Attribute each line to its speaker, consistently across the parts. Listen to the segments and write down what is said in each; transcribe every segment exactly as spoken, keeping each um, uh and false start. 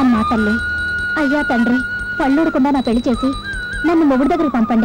Speaker 1: అమ్మా తల్లి, అయ్యా తండ్రి, పళ్ళూడకుండా నా పెళ్లి చేసి నన్ను మొగుడు దగ్గరికి పంపండి.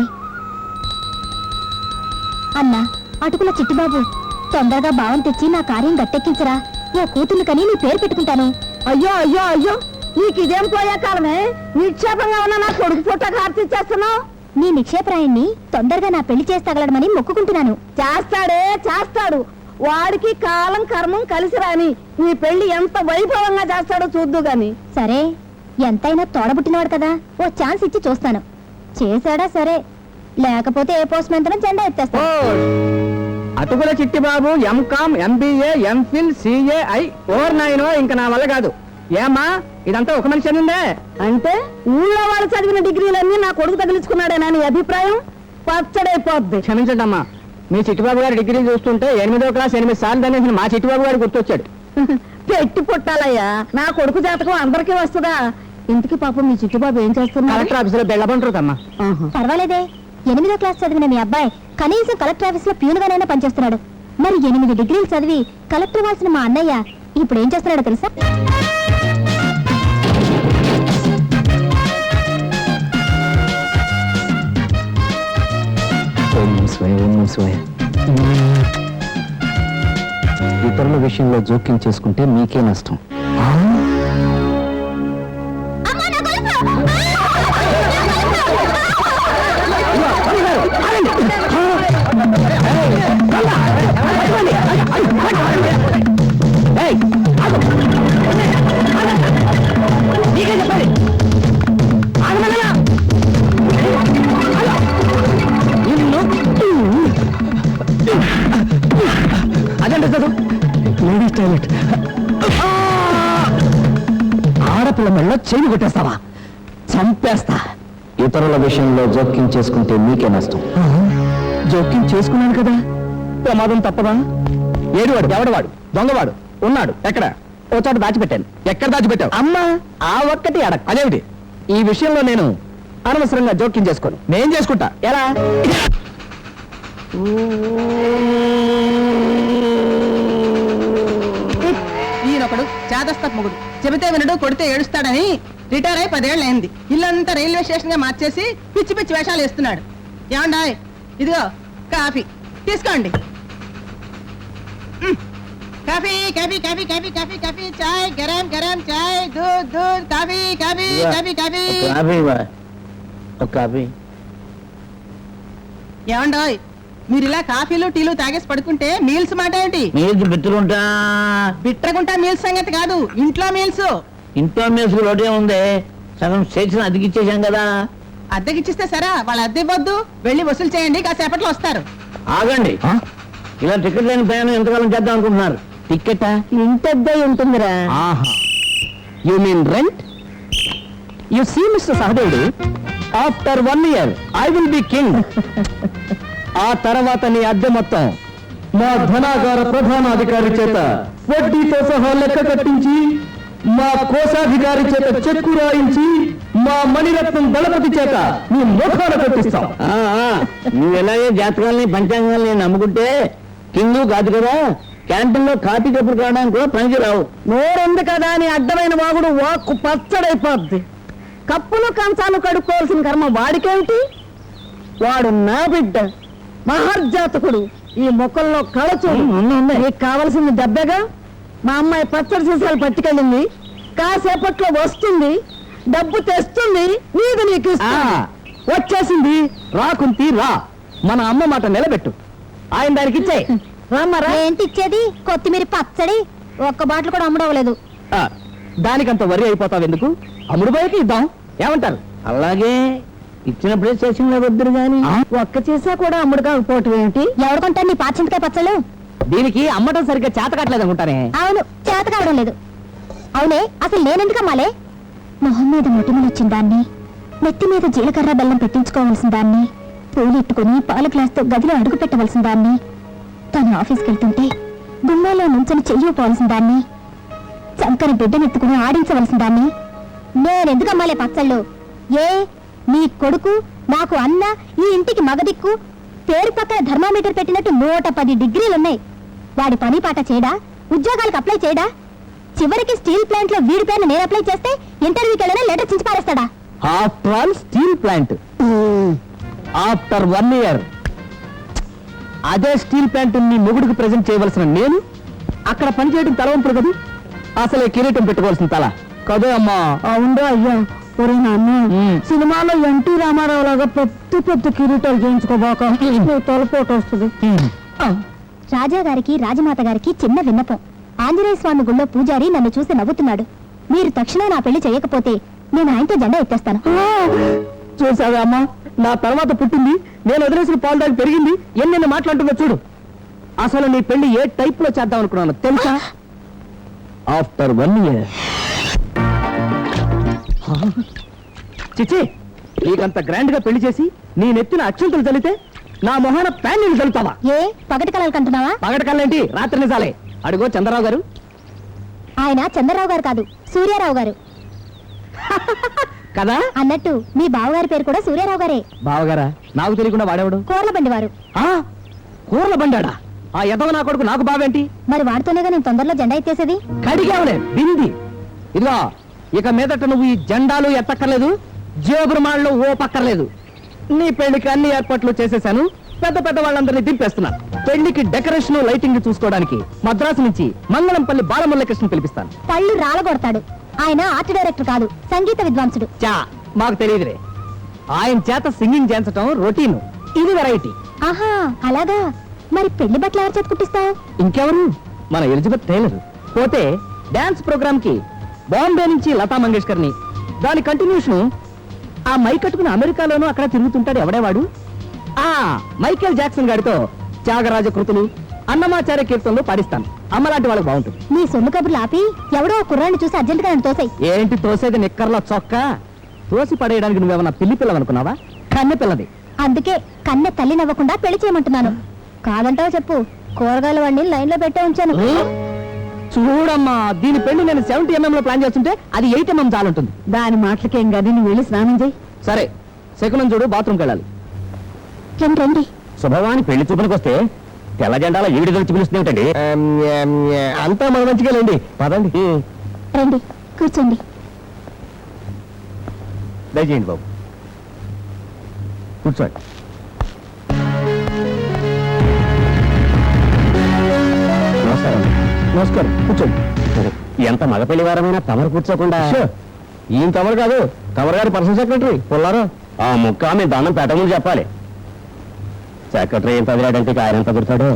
Speaker 1: అన్నా, అటుకుల చిట్టిబాబు, తొందరగా భావం తెచ్చి నా కార్యం గట్టెక్కించరా. ఓ కూతుర్ని కని నీ పేరు పెట్టుకుంటాను.
Speaker 2: అయ్యో అయ్యో అయ్యో, నీకు ఇదేం పోయే కాలమే. నిక్షేపంగా ఉన్న నా కొడుకు పుట్ట కార్తీచ్చేస్తున్నావు.
Speaker 1: నీ నిక్షేపరాయన్ని తొందరగా నా పెళ్లి చేసి తగలడమని మొక్కుకుంటున్నాను.
Speaker 2: చేస్తాడే చేస్తాడు. వాడికి కాలం కర్మం కలిసి రాని నీ పెళ్లి ఎంత వైభవంగా చేస్తాడో చూద్దు గాని.
Speaker 1: సరే, ఎంతైనా తోడబుట్టినవాడు కదా, ఓ ఛాన్స్ ఇచ్చి చూస్తాను. చేశాడా సరే, లేకపోతే ఏ పోస్ట్ మెంతనం జెండా ఎత్తేస్తా.
Speaker 3: అటుకుల చిట్టిబాబు ఎంకామ్, ఎంబీఏ, ఎంఫిల్, సిఏఐ ఓర్ నైనో ఇంకా నా వల్ల కాదు. ఏమ్మా, ఇదంతా ఒక మనిషి అనిందే
Speaker 2: అంటే ఊళ్ళో వాళ్ళు చదివిన డిగ్రీలన్నీ నా కొడుకు తగిలించుకున్నాడేనా నీ అభిప్రాయం? పచ్చడైపోద్ది.
Speaker 3: క్షమించండి అమ్మా, మీ చిట్టిబాబు గారి డిగ్రీ చూస్తుంటే ఎనిమిదో క్లాస్ ఎనిమిది సార్లు అనేసి మా చిట్టిబాబు గారు గుర్తొచ్చాడు.
Speaker 2: పెట్టి పుట్టాలయ్యా, నా కొడుకు జాతకం అందరికీ వస్తుందా? ఇంటికి పాపం మీ చిట్టుబాబు ఏం చేస్తున్నారు?
Speaker 3: కలెక్టర్ ఆఫీసులో బెల్లబంటారమ్మా.
Speaker 1: పర్వాలేదే, ఎనిమిదో క్లాస్ చదివిన మీ అబ్బాయి కనీసం కలెక్టర్ ఆఫీస్ లో ప్యూన్గానైనా పనిచేస్తున్నాడు. మరి ఎనిమిది డిగ్రీలు చదివి కలెక్టర్ వాల్సిన మా అన్నయ్య ఇప్పుడు ఏం చేస్తున్నాడో తెలుసా?
Speaker 3: ఇతరుల విషయంలో జోక్యం చేసుకుంటే మీకే నష్టం. అదంటే చదువు లేడీస్ టాయిలెట్. ఆడపిల్ల మెళ్ళ చేయి కొట్టేస్తావా? చంపేస్తా. ఇతరుల విషయంలో జోక్యం చేసుకుంటే మీకే నష్టం. జోక్యం చేసుకున్నాను కదా, ప్రమాదం తప్పదా? ఏడువాడు, ఎవడవాడు, దొంగవాడు ఉన్నాడు ఎక్కడ? ఓ చోట దాచిపెట్టాను. ఎక్కడ దాచిపెట్టావు? అమ్మా, ఆ ఒక్కటి అడగ. అదేమిటి? ఈ విషయంలో నేను అనవసరంగా జోక్యం చేసుకోను. నేను చేసుకుంటా. ఎలా?
Speaker 4: ఈయనొకడు చేదస్త మొగుడు, చెబితే వినడు, కొడితే ఏడుస్తాడని రిటైర్ అయి పదేళ్ళు అయింది. ఇల్లంతా రైల్వే స్టేషన్ గా మార్చేసి పిచ్చి పిచ్చి వేషాలు వేస్తున్నాడు. ఏమండాయ్, ఇదిగో కాఫీ తీసుకోండి. Coffee coffee coffee coffee coffee coffee చాయ్ గరం గరం చాయ్ దూద్ దూద్ coffee coffee coffee coffee
Speaker 3: coffee.
Speaker 4: ఏమండాయ్, మీరు ఇలా కాఫీలు టీలు తాగేసి పడుకుంటే మీల్స్ మాట ఏంటి?
Speaker 3: మీల్స్ బిట్టుకుంటా
Speaker 4: బిట్రగుంటా మీల్స్ సంగతి కాదు, ఇంట్లో మీల్స్.
Speaker 3: ఇంట్లో మీల్స్ రోటే ఉంది, సగం స్టేషన్ అద్దెకిచ్చేసాం కదా.
Speaker 4: అద్దెకిచ్చిస్తే సరే, వాళ్ళు అద్దె ఇవ్వద్దు, వెళ్ళి వసూలు చేయండి, కాసేపట్లో వస్తారు.
Speaker 3: ఆగండి, ఇలా టికెట్ లేని ప్రయాణం ఎంతకాలం చేద్దాం అనుకుంటున్నారు? టికెట్
Speaker 2: ఇంతద్దే ఉంటుందిరా.
Speaker 3: You mean rent? You see mister Sahadevudu, after one year I will be king. ఆ తర్వాత నీ అద్దె మొత్తం మా ధనాగార ప్రధానాధికారి చేత వడ్డీతో సహా లెక్క కట్టించి, మా కోశాధికారి చేత చెక్కు రాయించి, మా మణిరత్నం దళపతి చేత నీ ముఖాన కట్టిస్తాం. నువ్వు ఎలాగే జాతకాలని పంచాంగాల్ని నమ్ముకుంటే కింగు కాదు కదా, క్యాంటీన్ లో కాఫీ కప్పులు కావడానికి కూడా పనికి రావు.
Speaker 2: నోరుంది కదా అని అడ్డమైన వాగుడు వాక్కు పచ్చడైపోద్ది. కప్పులు కంచాలు కడుక్కోవాల్సిన కర్మ వాడికేమిటి? వాడు నా బిడ్డ, మహర్జాతకుడు. ఈ మొక్కల్లో కళచూడు. నీకు కావలసింది దెబ్బగా. మా అమ్మాయి పచ్చడి సీసాలు పట్టుకెళ్ళింది, కాసేపట్లో వస్తుంది, డబ్బు తెస్తుంది, నీది నీకు
Speaker 3: వచ్చేసింది. రాకుంతి రా, మన అమ్మ మాట నిలబెట్టు. ఆయన దానికి ఇచ్చే
Speaker 1: రామ్మరా. ఏంటి ఇచ్చేది? కొత్తిమీర పచ్చడి ఒక్క బాటిల్ కూడా అమ్ముడవలేదు.
Speaker 3: దానికంత వరి అయిపోతావు ఎందుకు? అమ్ముడు బయటకి ఇద్దాం, ఏమంటారు? అలాగే ఇచ్చినప్పుడే స్టేషన్లో వద్దురు గాని
Speaker 2: ఒక్క చేసా కూడా అమ్ముడు కాకపోవటం ఏమిటి?
Speaker 1: ఎవడుకుంటాను నీ పాచింతకాయ పచ్చళ్ళు?
Speaker 3: దీనికి అమ్మటం సరిగ్గా చేత కావట్లేదు అనుకుంటానే.
Speaker 1: అవును, చేత కావడం లేదు. అవునే, అసలు నేనెందుకు అమ్మాలే? మొహం మీద మొటిమలు వచ్చిన దాన్ని, నెత్తి మీద జీలకర్ర బెల్లం పెట్టించుకోవాల్సిన దాన్ని, పూలెట్టుకుని పాల గ్లాస్తో గదిలో అడుగు పెట్టవలసిన దాన్ని, తను ఆఫీస్కి వెళ్తుంటే గుమ్మాలో నుంచని చెయ్యిపోవలసిన దాన్ని, చంకని బిడ్డనెత్తుకుని ఆడించవలసిన దాన్ని నేనెందుకు అమ్మాలే పచ్చళ్ళు? ఏ నీ కొడుకు నాకు అన్న, ఈ ఇంటికి మగదిక్కు, పేరు పక్కన థర్మామీటర్ పెట్టినట్టు నూట పది డిగ్రీలున్నాయి. వాడి పని పాట చేయడా? ఉద్యోగాలకు అప్లై చేయడా? చివరికి స్టీల్ ప్లాంట్ లో వీడి పేరుని నేను అప్లై చేస్తే ఇంటర్వ్యూకి వెళ్ళినా లెటర్ చించి పారేస్తాడా?
Speaker 3: After all steel plant after one year అదే స్టీల్ ప్లాంట్ నీ మొగుడికి ప్రజెంట్ చేయవలసిన నేను అక్కడ పనిచేయడం తలవంపుడు కదా, అసలే కిరీటం పెట్టుకోవాల్సిన తల కదే అమ్మా.
Speaker 2: అవునా అయ్యా, ఒరే నాన్న, సినిమాలో ఎన్టీ రామారావు లాగా పెద్ద పెద్ద కిరీటాలు చేయించుకోబాక, తలపోటు వస్తుంది.
Speaker 1: రాజా గారికి రాజమాత గారికి చిన్న విన్నపం. ఆంజనేయ స్వామి గుళ్ళో పూజారి నన్ను చూసి నవ్వుతున్నాడు. మీరు తక్షణం నా పెళ్లి చేయకపోతే నేను ఆయనతో జెండా ఎత్తేస్తాను.
Speaker 3: చూసావా అమ్మా, నా తర్వాత పుట్టింది, నేను వదిలేసిన పాలు దాకా పెరిగింది, ఎన్నెన్ని మాట్లాడుతుందో చూడు. అసలు నీ పెళ్లి ఏ టైప్ లో చేద్దాం అనుకున్నాను తెలుసా? After one year. చిచి, నీకంత గ్రాండ్ గా పెళ్లి చేసి నీ నెత్తిన అత్యంతలు చల్లితే నా మొహాన ప్యాన్ చల్లుతావా?
Speaker 1: ఏ పగటి కలలు కంటున్నావా?
Speaker 3: పగటి కళ్ళేంటి, రాత్రి నిజాలే. అడుగో చంద్రరావు గారు.
Speaker 1: ఆయన చంద్రరావు గారు కాదు, సూర్యారావు గారు
Speaker 3: కదా
Speaker 1: అన్నట్టు మీ బావగారి పేరు కూడా సూర్యారావు గారే.
Speaker 3: బావగారా? నాకు తెలియకుండా వాడేవాడు.
Speaker 1: కోర్ల బండి వారు.
Speaker 3: ఆ కూరల బండాడా? ఆ ఎదవ నా కొడుకు నాకు బావేంటి?
Speaker 1: మరి వాడితోనేగా నేను తొందరలో జెండా ఎత్తేసేది.
Speaker 3: కడిగావులే బింది. ఇదిగో ఇక మీదట నువ్వు ఈ జెండాలు ఎత్తక్కర్లేదు, జేబురుమాళ్ళు ఓ పక్కర్లేదు. నీ పెళ్లికి అన్ని ఏర్పాట్లు చేసేశాను. పెద్ద పెద్ద వాళ్ళందరినీ దింపేస్తున్నాను. పెళ్లికి డెకరేషన్ లైటింగ్ చూసుకోవడానికి మద్రాసు నుంచి మంగళంపల్లి బాలమురళీకృష్ణ పిలిపిస్తాను.
Speaker 1: పళ్ళు రాలగొడతాడు. ఆయన ఆర్ట్ డైరెక్టర్ కాదు, సంగీత విద్వాంసుడు.
Speaker 3: చా మాకు తెలియదురే. ఆయన చేత సింగింగ్ చేయించటం రొటీన్, ఇది వెరైటీ.
Speaker 1: ఆహా అలాగా. మరి పెళ్లి బట్టలు ఎవరు చేతి కుట్టిస్తావు?
Speaker 3: ఇంకెవరు? మన ఎలిజబెత్ టైలర్. పోతే డాన్స్ ప్రోగ్రామ్ కి బాంబే నుంచి లతా మంగేష్కర్ ని, దాని కంటిన్యూషన్ ఆ మైక్ కట్టుకుని అమెరికాలోనూ అక్కడ తిరుగుతుంటాడు ఎవడేవాడు, ఆ మైకేల్ జాక్సన్ గారితో త్యాగరాజ కృతులు, అన్నమాచార్య కీర్తనలు పాడిస్తాను. అమ్మలాంటి వాళ్ళకి బాగుంటుంది.
Speaker 1: నీ సొమ్ము కబుర్లు ఆపి ఎవడో కుర్రాన్ని చూసి అర్జెంట్ గా తోసాయి.
Speaker 3: ఏంటి తోసేది? నిక్కర్లో చొక్క తోసి పడేయడానికి నువ్వేమన్నా పిల్లి పిల్లవనుకున్నావా? కన్నె పిల్లది.
Speaker 1: అందుకే కన్నె తల్లి నవ్వకుండా పెళ్లి చేయమంటున్నాను. కాదంటావో చెప్పు, కూరగాయల వాడిని లైన్ లో పెట్టే ఉంచాను.
Speaker 3: చూడమ్మా, దీని పెళ్లి నేను సెవెంటీ ఎంఎం లో ప్లాన్ చేస్తుంటే అది ఎయిట్ ఎంఎం చాలుంటుంది.
Speaker 2: దాని మాటలకేం గానీ నువ్వు వెళ్ళి స్నానం చేయి.
Speaker 3: సరే, శకునం చూడు, బాత్రూమ్కి వెళ్ళాలి.
Speaker 1: రండి రండి.
Speaker 3: శుభవాని పెళ్లి చూపులకు వస్తే తెల్ల జెండాలో ఈవిడ గురించి పిలుస్తుంది ఏమిటండి? అంతా మన మంచిగాలేండి, పదండి.
Speaker 1: రండి కూర్చోండి.
Speaker 3: దయచేయండి బాబు, కూర్చోండి. నమస్కారం. నమస్కారం, కూర్చోండి. ఎంత మగ పెళ్లి వారమైనా తమరు కూర్చోకుండా? ఈయన తమరు కాదు, తమరు గారి పర్సనల్ సెక్రటరీ పుల్లారు. ఆ ముక్క మీ దండం పెట్టమని చెప్పాలి. సెక్రటరీ ఏం తగిలాడంటే ఆయన ఎంత కుడతాడు?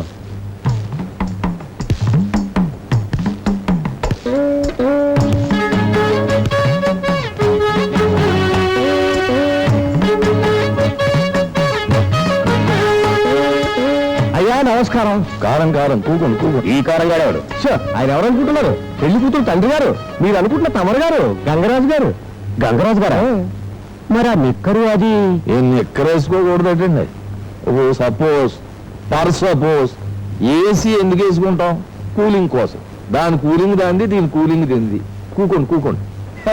Speaker 3: అయ్యా నమస్కారం. కారం కారం కూకుని కూకుని. ఈ కారం గాడేవాడు. ఆయన ఎవరు అనుకుంటున్నారు? పెళ్లి కూతురు తండ్రి గారు. మీరు అనుకుంటున్న తమరు గారు గంగరాజు గారు. గంగరాజు గారా? మరి ఆ నిక్కరు అది ఏం నిక్కరేసుకోకూడదండి. ఓ సపోజ్ పర్ సపోజ్ ఏసీ ఎందుకు వేసుకుంటాం? కూలింగ్ కోసం. దాని కూలింగ్ దాంది, దీని కూలింగ్ తింది. కూకోండి కూకోండి.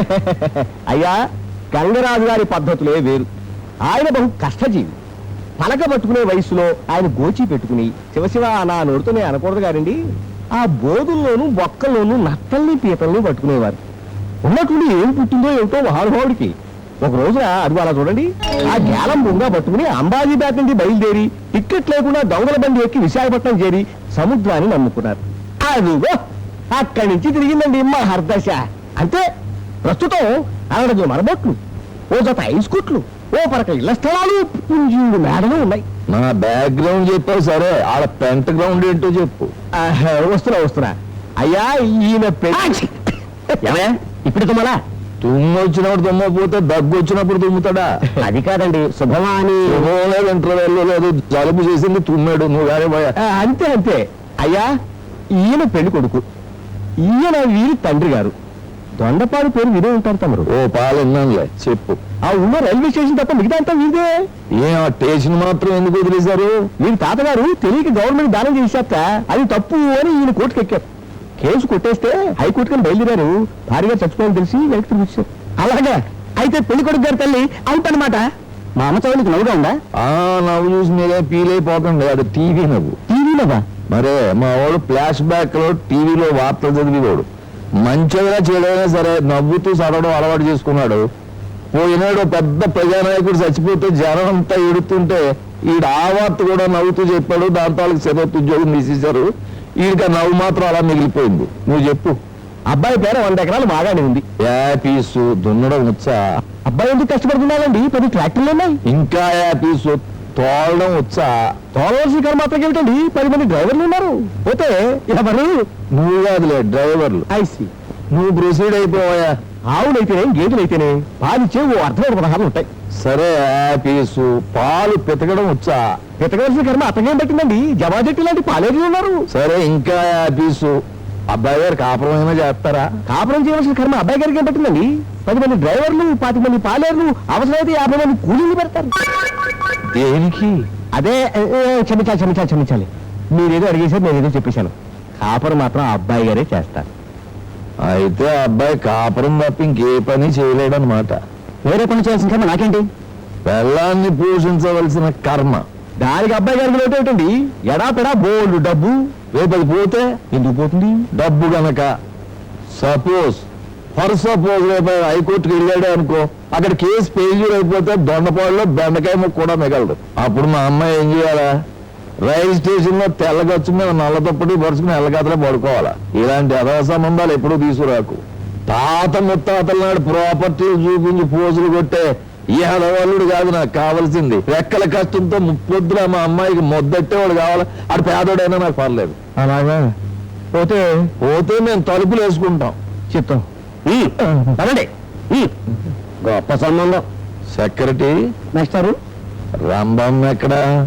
Speaker 3: అయ్యా, గంగరాజు గారి పద్ధతులే వేరు. ఆయన బహు కష్టజీవి. పలక పట్టుకునే వయసులో ఆయన గోచి పెట్టుకుని శివశివ నా నోడుతూనే అనకూడదు గారండి, ఆ బోధుల్లోనూ బొక్కల్లోనూ నత్తల్ని పీతల్ని పట్టుకునేవారు. ఉన్నట్టుండి ఏం పుట్టిందో ఏమిటో మహానుభావుడికి. ఒక రోజున అడుగు అలా చూడండి, ఆ గ్యాలం బొంగా పట్టుకుని అంబాజీపేట నుండి బయలుదేరి టిక్కెట్ లేకుండా దొంగల బండి ఎక్కి విశాఖపట్నం చేరి సముద్రాన్ని నమ్ముకున్నారు. అదిగో అక్కడి నుంచి తిరిగిందండి మా హర్దశ. అంతే. ప్రస్తుతం అరడజు మరబొట్లు, ఓ జత ఐస్ కుట్లు, ఓ పరక ఇళ్ల స్థలాలు, పుంజీడు మేడలు ఉన్నాయి.
Speaker 5: నా బ్యాక్గ్రౌండ్ చెప్పావు సరే, ఆడ పెంట గ్రౌండ్ ఏంటో చెప్పు.
Speaker 3: వస్తున్నా వస్తున్నా. అయ్యా ఈయన పెళ్లి ఇప్పుడు తుమ్మలా?
Speaker 5: తుమ్ము వచ్చినప్పుడు తుమ్మపోతే దగ్గు వచ్చినప్పుడు తుమ్ముతాడా?
Speaker 3: అది కాదండి, శుభమాని
Speaker 5: లేదు, ఇంటర్వెల్ లేదు, జలుబు చేసింది తుమ్మాడు. నువ్వు గారే పోయా.
Speaker 3: అంతే అంతే. అయ్యా ఈయన పెళ్లి కొడుకు, ఈయన వీరి తండ్రి గారు. దొండపాడు పేరు వినే ఉంటారు తమరు.
Speaker 5: ఓ పాలన్నానులే, చెప్పు.
Speaker 3: ఆ ఉన్న రైల్వే స్టేషన్ తప్ప మిగతా అంతా వీదే.
Speaker 5: ఏం ఆ స్టేషన్ మాత్రం ఎందుకు వదిలేశారు?
Speaker 3: వీరి తాతగారు తెలియక గవర్నమెంట్ దానం చేశాక అది తప్పు అని ఈయన కోర్టుకు ఎక్కారు. కేసు కొట్టేస్తే హైకోర్టు కని బయలుదేరారు. భారీగా చచ్చిపోయాలని తెలిసి వెనక్కి తిరిగి వచ్చారు. అలాగా అయితే పెళ్లి కొడుకు గారి తల్లి అవుట్ అనమాట. మా అమ్మ చదువులకు నవ్వుగా ఉందా?
Speaker 5: ఆ నవ్వు చూసి మీరే ఫీల్ అయిపోకండి, అది టీవీ నవ్వు.
Speaker 3: టీవీ నవ్వా?
Speaker 5: మరే మా వాడు ఫ్లాష్ బ్యాక్ లో టీవీలో వార్తలు చదివేవాడు. మంచిగా చేయడమైనా సరే నవ్వుతూ చదవడం అలవాటు చేసుకున్నాడు. పోయినాడు పెద్ద ప్రజానాయకుడు చచ్చిపోతే జనం అంతా ఎడుతుంటే ఈడ ఆ వార్త కూడా నవ్వుతూ చెప్పాడు. దాంతో వాళ్ళకి సెలవు ఉద్యోగం తీసేశారు. ఈడికి ఆ నవ్వు మాత్రం అలా మిగిలిపోయింది. నువ్వు చెప్పు.
Speaker 3: అబ్బాయి పేరు వంద ఎకరాలు బాగానే ఉంది.
Speaker 5: యాపీసు దున్నడం వచ్చా?
Speaker 3: అబ్బాయి ఎందుకు కష్టపడుతున్నాడండి? పది ట్రాక్టర్లు ఉన్నాయి.
Speaker 5: ఇంకా యాపీసు తోలడం వచ్చా?
Speaker 3: తోలవలసిన కర్మ మాత్రం ఏమిటండి? పది మంది డ్రైవర్లు ఉన్నారు. పోతే ఎవరు?
Speaker 5: నువ్వు కాదులే డ్రైవర్లు.
Speaker 3: ఐసి
Speaker 5: నువ్వు ప్రొసీడ్ అయిపోయా.
Speaker 3: ఆవులైతేనే గేదెలైతేనే పాలిచ్చే ఓ అర్థమైన పదహాలు ఉంటాయి.
Speaker 5: సరే యాపీసు పాలు పితకడం వచ్చా?
Speaker 3: వెతకవలసిన కర్మ అతగేం పట్టిందండి? జవాజెట్టి లాంటి పాలేరులు ఉన్నారు.
Speaker 5: సరే ఇంకా యాపీసు అబ్బాయి గారు కాపురమైనా చేస్తారా?
Speaker 3: కాపురం చేయవలసిన కర్మ అబ్బాయి గారికి ఏం పట్టిందండి? పది మంది డ్రైవర్లు, పాతి మంది పాలేరులు, అవసరమైతే యాభై మంది కూలీలు పెడతారు.
Speaker 5: దేనికి?
Speaker 3: అదే ఏ, ఏ, క్షమించాలి క్షమించాలి క్షమించాలి మీరేదో అడిగేసారు, నేనేదో చెప్పేశాను. కాపురం మాత్రం ఆ అబ్బాయి గారే చేస్తారు.
Speaker 5: అయితే ఆ అబ్బాయి కాపురం తప్ప ఇంకే పని చేయలేడనమాట.
Speaker 3: వేరే పని చేయాల్సిన కర్మ నాకేంటి?
Speaker 5: పెళ్ళాన్ని పోషించవలసిన కర్మ.
Speaker 3: దానికి అబ్బాయి గారికి లోటు ఏమిటండి? ఎడా పెడా బోల్డ్ డబ్బు.
Speaker 5: రేపు అది పోతే
Speaker 3: ఎందుకు పోతుంది?
Speaker 5: డబ్బు గనక. సపోజ్ ఫర్ సపోజ్ రేపు హైకోర్టుకి వెళ్ళాడే అనుకో, అక్కడ కేసు ఫెయిల్యూర్ అయిపోతే దొండపాడులో బెండకాయ ముక్క కూడా మిగలదు. అప్పుడు మా అమ్మాయి ఏం చేయాలా? రైలు స్టేషన్ లో తెల్లగచ్చు మీద నల్ల తప్పటి పరుచుకుని ఎల్లగతలో పడుకోవాలా. ఇలాంటి అదవ సంబంధాలు ఎప్పుడూ తీసుకురాకు. తాత ముత్తాతల నాడు ప్రాపర్టీలు చూపించి పోజులు కొట్టే ఈ హడవాళ్ళుడు కాదు నాకు కావాల్సింది. రెక్కల కష్టంతో ముప్పొద్దున మా అమ్మాయికి మొద్దట్టేవాడు కావాలి. ఆడు పేదోడైనా నాకు పర్లేదు.
Speaker 3: అలాగా పోతే
Speaker 5: పోతే మేము తలుపులు వేసుకుంటాం.
Speaker 3: చెప్తాం. అనండి
Speaker 5: గొప్ప సంబంధం. సెక్రటరీ
Speaker 3: నెక్స్ట్
Speaker 5: రంభం ఎక్కడా?